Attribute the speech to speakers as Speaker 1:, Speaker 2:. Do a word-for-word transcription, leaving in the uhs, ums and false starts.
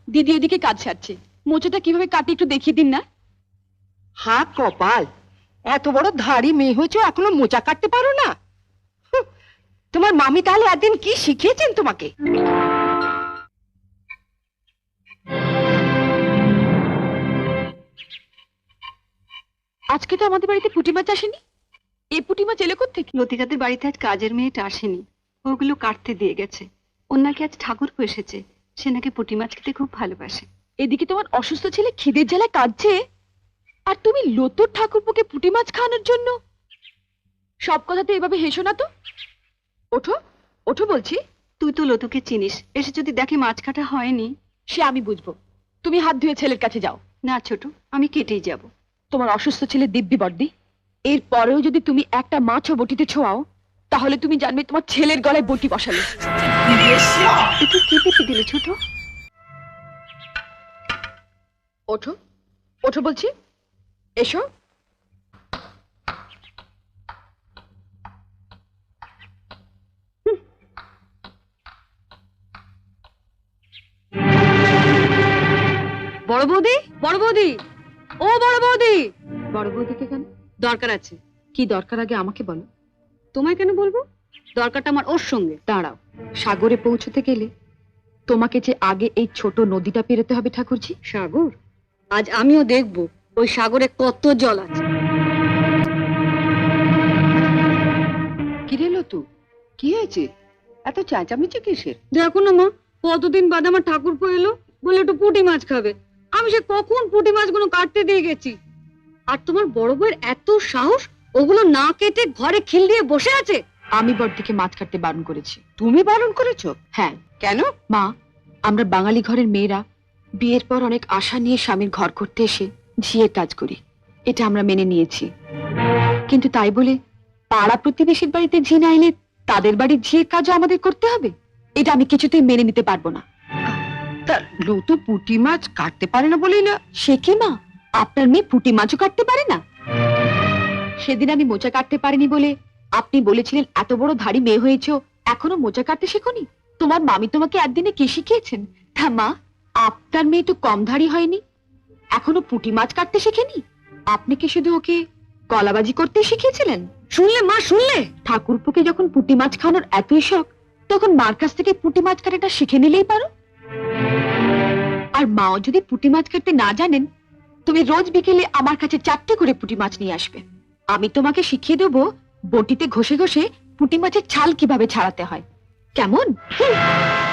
Speaker 1: দিদি এদিকে কাজ সারছে, মোচাটা কিভাবে কাটি একটু দেখিয়ে দিন না।
Speaker 2: হা কপাল, এত বড় ধাড়ি মেয়ে হয়েছে এখনো মোচা কাটতে পারো না? হুঁ, তোমার মামি তাহলে একদিন কি শিখিয়েছেন তোমাকে?
Speaker 1: আজকে তো আমাদের বাড়িতে পুঁটি মাছ আসেনি। এ পুঁটি মাছ এলো কোত্থেকে?
Speaker 3: লতিকাদের বাড়িতে আজ কাজের মেয়েটা আসেনি, ওগুলো কাটতে দিয়ে গেছে। ওর নাকি আজ ঠাকুরপো এসেছে, সে নাকি পুঁটি মাছ খেতে খুব ভালোবাসে।
Speaker 1: এদিকে তোমার অসুস্থ ছেলে খিদের জ্বালায় কাঁদছে, আর তুমি লতুর ঠাকুরপোকে পুঁটি মাছ খাওয়ানোর জন্য। সব কথাতে এভাবে হেসো না তো। ওঠো ওঠো বলছি।
Speaker 3: তুই তো লতুকে চিনিস, এসে যদি দেখে মাছ কাটা হয়নি।
Speaker 1: সে আমি বুঝবো, তুমি হাত ধুয়ে ছেলের কাছে যাও।
Speaker 3: না ছোট, আমি কেটেই যাব।
Speaker 1: তোমার অসুস্থ ছেলে দিব্যি বর্দি, এর পরেও যদি তুমি একটা মাছও বটিতে ছোঁয়াও, তাহলে তুমি জানবে তোমার ছেলের গলায় বটি বসালে।
Speaker 3: তুই কি পেতে দিলে ছোট?
Speaker 1: ওঠো ওঠো বলছি, এসো।
Speaker 3: বড় বৌদি, বড় বৌদি, ও বড় বৌদি।
Speaker 1: বড় বৌদিকে কেন?
Speaker 3: দরকার আছে।
Speaker 1: কি দরকার আগে আমাকে বলো।
Speaker 3: তোমায় কেন বলবো? দরকারটা আমার ওর সঙ্গে।
Speaker 1: দাঁড়াও, সাগরে পৌঁছতে গেলে তোমাকে যে আগে এই ছোট নদীটা পেরোতে হবে ঠাকুরজি।
Speaker 3: সাগর? আজ আমিও দেখবো ওই সাগরে কত জল আছে।
Speaker 2: কি রে লতু, কি হয়েছে? এত চেঁচামেচি কিসের?
Speaker 3: দেখো না মা, কতদিন বাদে আমার ঠাকুরপো এলো, বলে একটু পুঁটি মাছ খাবে। আমি সে কখন পুঁটি মাছগুলো কাটতে দিয়ে গেছি, আর তোমার বড় বউয়ের এত সাহস, ওগুলো না কেটে ঘরে খিল দিয়ে বসে আছে।
Speaker 1: আমি বড়দিকে মাছ কাটতে বারণ করেছি।
Speaker 2: তুমি বারণ করেছো?
Speaker 1: হ্যাঁ।
Speaker 2: কেন?
Speaker 1: মা, আমরা বাঙালি ঘরের মেয়েরা বিয়ের পর অনেক আশা নিয়ে স্বামীর ঘর করতে এসে ঝিয়ের কাজ করি, এটা আমরা মেনে নিয়েছি। কিন্তু তাই বলে পাড়া প্রতিবেশীর বাড়িতে ঝি না এলে তাদের বাড়ির ঝিয়ের কাজও আমাদের করতে হবে, এটা আমি কিছুতেই মেনে নিতে পারবো না।
Speaker 2: তা লতু পুঁটি মাছ কাটতে পারে না বলেই না?
Speaker 1: সে কি মা, আপনার মেয়ে পুঁটি মাছও কাটতে পারে না? সেদিন আমি মোচা কাটতে পারিনি বলে আপনি বলেছিলেন এত বড় ধাড়ি মেয়ে হয়েছো, এখনো মোচা কাটতে শেখোনি? তোমার মামি তোমাকে একদিনে কি শিখিয়েছেন? তা মা, আপনার মেয়ে তো কম ধাড়ি হয়নি, এখনো পুঁটি মাছ কাটতে শেখেনি। আপনি কি শুধু ওকে কলাবাজি করতে শিখিয়েছিলেন?
Speaker 3: শুনলে মা, শুনলে?
Speaker 1: ঠাকুরপোকে যখন পুঁটি মাছ খাওয়ানোর এতই শখ, তখন মার কাছ থেকে পুঁটি মাছ কাটাটা শিখে নিলেই পারো। আর মাও যদি পুঁটি মাছ কাটতে না জানেন, তুমি রোজ বিকেলে আমার কাছে চারটে করে পুঁটি মাছ নিয়ে আসবে। আমি তোমাকে শিখিয়ে দেবো বটিতে ঘষে ঘষে পুঁটি মাছের ছাল কিভাবে ছাড়াতে হয়। কেমন?